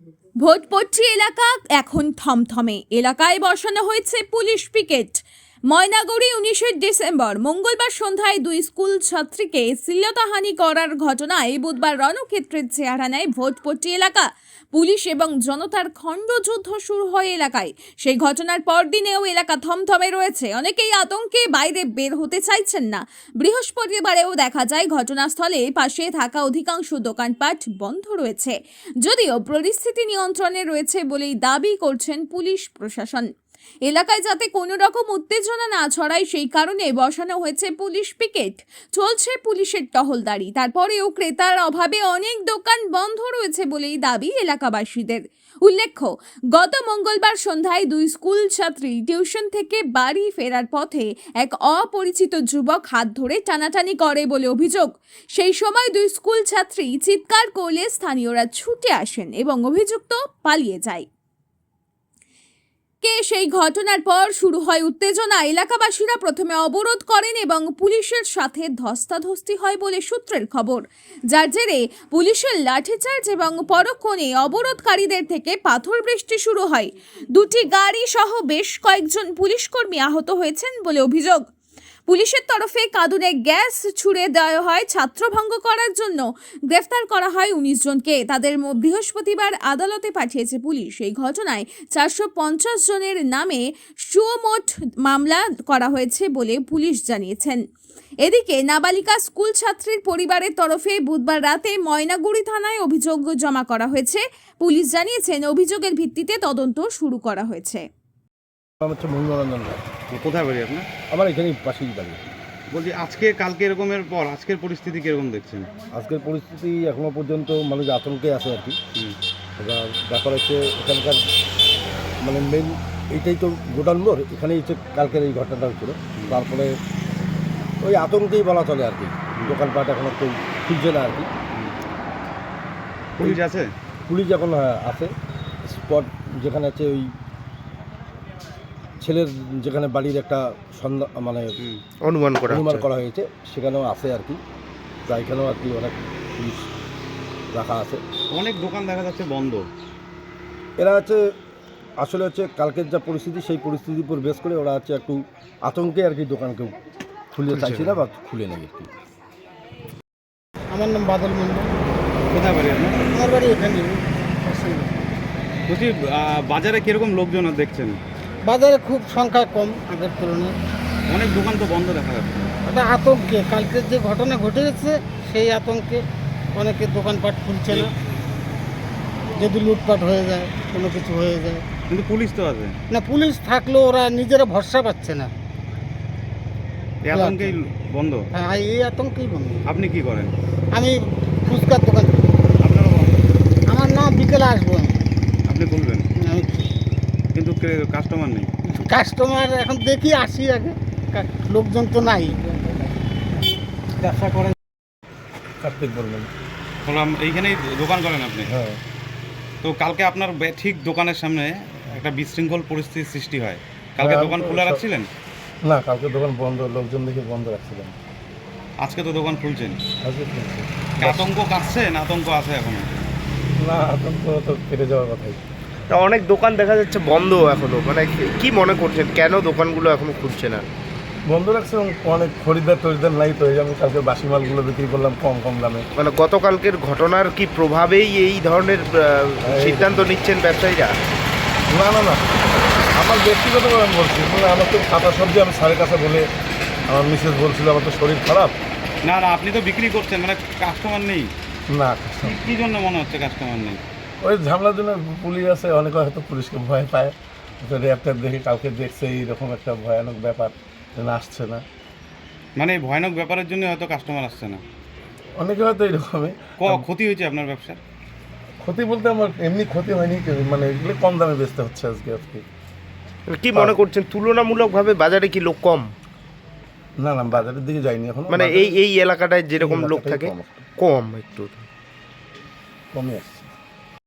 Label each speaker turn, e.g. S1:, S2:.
S1: ভোটপট্টি এলাকা এখন থমথমে। এলাকায় বসানো হয়েছে পুলিশ পিকেট। ময়নাগুড়ি 19 ডিসেম্বর মঙ্গলবার সন্ধ্যায় দুই স্কুল ছাত্রীকে শ্লীলতাহানি করার ঘটনায় বুধবার রণক্ষেত্রের চেহারা নেয় ভোটপট্টি এলাকা। পুলিশ এবং জনতার খণ্ডযুদ্ধ শুরু হয় এলাকায়। সেই ঘটনার পরদিনেও এলাকা থমথমে রয়েছে। অনেকেই আতঙ্কে বাইরে বের হতে চাইছেন না। বৃহস্পতিবারেও দেখা যায় ঘটনাস্থলে পাশে থাকা অধিকাংশ দোকানপাট বন্ধ রয়েছে, যদিও পরিস্থিতি নিয়ন্ত্রণে রয়েছে বলেই দাবি করছেন পুলিশ প্রশাসন। এলাকায় যাতে কোনো রকম উত্তেজনা না ছড়ায় সেই কারণে বসানো হয়েছে পুলিশ পিকেট। চলছে পুলিশের টহলদারি। তারপরেও ক্রেতার অভাবে অনেক দোকান বন্ধ রয়েছে বলেই দাবি এলাকাবাসীদের। উল্লেখ্য, গত মঙ্গলবার সন্ধ্যায় দুই স্কুল ছাত্রী টিউশন থেকে বাড়ি ফেরার পথে এক অপরিচিত যুবক হাত ধরে টানাটানি করে বলে অভিযোগ। সেই সময় দুই স্কুল ছাত্রী চিৎকার করলে স্থানীয়রা ছুটে আসেন এবং অভিযুক্ত পালিয়ে যায়। সেই ঘটনার পর শুরু হয় উত্তেজনা। এলাকাবাসীরা প্রথমে অবরোধ করেন এবং পুলিশের সাথে ধস্তাধস্তি হয় বলে সূত্রের খবর, যার জেরে পুলিশের লাঠিচার্জ এবং পরক্ষণে অবরোধকারীদের থেকে পাথর বৃষ্টি শুরু হয়। দুটি গাড়ি সহ বেশ কয়েকজন পুলিশকর্মী আহত হয়েছেন বলে অভিযোগ। পুলিশের তরফে কাঁদুনে গ্যাস ছুড়ে দেওয়া হয়। ছাত্রভঙ্গ করার জন্য গ্রেফতার করা হয় 19 জনকে। তাদের বৃহস্পতিবার আদালতে পাঠিয়েছে পুলিশ। এই ঘটনায় 450 জনের নামে সুমোট মামলা করা হয়েছে বলে পুলিশ জানিয়েছেন। এদিকে নাবালিকা স্কুল ছাত্রীর পরিবারের তরফে বুধবার রাতে ময়নাগুড়ি থানায় অভিযোগ জমা করা হয়েছে। পুলিশ জানিয়েছেন অভিযোগের ভিত্তিতে তদন্ত শুরু করা হয়েছে।
S2: আমার হচ্ছে মঙ্গলরঞ্জন রায়।
S3: কোথায় বাড়ি আপনার?
S2: আমার এখানেই পাশেই বাড়ি।
S3: বলছি আজকে কালকে এরকমের পর আজকের পরিস্থিতি কীরকম দেখছেন?
S2: আজকের পরিস্থিতি এখনও পর্যন্ত মানুষ আতঙ্কে আছে আর কি। এবার ব্যাপার হচ্ছে এখানকার মানে মেন এইটাই তো গোডাউন মোড়, এখানেই হচ্ছে কালকের এই ঘটনাটা হচ্ছিলো। তারপরে ওই আতঙ্কেই বলা চলে আর কি। দোকানপাট এখনও কেউ খুলছে না আর কি।
S3: পুলিশ আছে?
S2: পুলিশ এখন আছে। স্পট যেখানে আছে ওই ছেলের যেখানে বাড়ির একটা সন্ধ্যা মানে অনুমান করা হয়েছে সেখানেও আছে আর কি। তা এখানেও আর কি অনেক পুলিশ রাখা আছে।
S3: অনেক দোকান দেখা যাচ্ছে বন্ধ।
S2: এরা হচ্ছে আসলে হচ্ছে কালকের যা পরিস্থিতি সেই পরিস্থিতির উপর বেশ করে ওরা হচ্ছে একটু আতঙ্কে আর কি দোকান কেউ খুলে চাইছে না বা খুলে নেই আর কি।
S4: আমার নাম বাদল মন্ডল।
S3: কোথায় বাড়ি আপনার?
S4: আমার বাড়ি এখানে।
S3: বলছি বাজারে কীরকম লোকজন দেখছেন?
S4: বাজারে খুব সংখ্যা কম আগের তুলনায়।
S3: অনেক দোকান তো বন্ধ দেখা যাচ্ছে।
S4: এটা আতঙ্কে, কালকের যে ঘটনা ঘটে গেছে সেই আতঙ্কে অনেকে দোকানপাট খুলছে না। যদি লুটপাট হয়ে যায়, কোনো কিছু হয়ে যায়।
S3: কিন্তু পুলিশ তো আছে
S4: না, পুলিশ থাকলেও ওরা নিজেরা ভরসা পাচ্ছে না।
S3: এই আতঙ্কেই বন্ধ?
S4: হ্যাঁ, এই আতঙ্কেই বন্ধ।
S3: আপনি কি করেন?
S4: আমি ফুচকার দোকান।
S3: আপনারও বন্ধ?
S4: আমার না, বিকেলে আসবো আমি।
S3: আপনি খুলবেন
S4: আমি
S3: কিন্তু কাস্টমার নেই?
S4: কাস্টমার এখন দেখি আসি আগে, লোকজন তো নাই। ব্যবসা করেন?
S2: কার্তিক বলবেন।
S3: বললাম এইখানেই দোকান করেন আপনি?
S2: হ্যাঁ।
S3: তো কালকে আপনার ঠিক দোকানের সামনে একটা বিশৃঙ্খল পরিস্থিতির সৃষ্টি হয়। কালকে দোকান খোলা রাখছিলেন?
S2: না, কালকে দোকান বন্ধ, লোকজন দেখে বন্ধ রাখছিলেন।
S3: আজকে তো দোকান খুলছেন।
S2: আজকে খুলছে।
S3: আতঙ্ক কাটছে না আতঙ্ক আছে এখনো?
S2: না, আতঙ্ক তো কেটে যাওয়ার কথাই।
S5: অনেক দোকান দেখা যাচ্ছে বন্ধ এখনো, মানে কি মনে করছেন কেন দোকানগুলো এখনো খুলছে না?
S2: বন্ধ রাখছে এবং অনেক খরিদ্দার নাই তো। এই আমি কালকে বাসি মালগুলো বিক্রি করলাম কম দামে।
S5: মানে গতকালকের ঘটনার কি প্রভাবেই এই ধরনের সিদ্ধান্ত নিচ্ছেন ব্যবসায়ীরা?
S2: না, আমার ব্যক্তিগতভাবে আমি বলছি, মানে আমার তো কাঁচা সবজি আমি স্যারের কাছে বলে আমার মিসেস বলছিল আমার তো শরীর খারাপ।
S3: না আপনি তো বিক্রি করছেন, মানে কাস্টমার নেই?
S2: না,
S3: কি জন্য মনে হচ্ছে কাস্টমার নেই?
S2: ওই ঝামেলার জন্য পুলিশ আছে, অনেকে হয়তো পুলিশকে ভয় পায়। র্যাপট্যাপ দেখি কালকে দেখছে এইরকম একটা ভয়ানক ব্যাপার, যেন আসছে না।
S3: মানে এই ভয়ানক ব্যাপারের জন্য হয়তো কাস্টমার আসছে না।
S2: অনেকে হয়তো এইরকমই।
S3: ক্ষতি হয়েছে আপনার ব্যবসার?
S2: ক্ষতি বলতে আমার এমনি ক্ষতি হয়নি, মানে এগুলো কম দামে বেচতে হচ্ছে আজকে।
S5: কি মনে করছেন তুলনামূলকভাবে বাজারে কি লোক কম?
S2: না, বাজারের দিকে যাইনি এখন।
S5: মানে এই এলাকাটায় যেরকম লোক থাকে কম, একটু
S2: কমই আছে।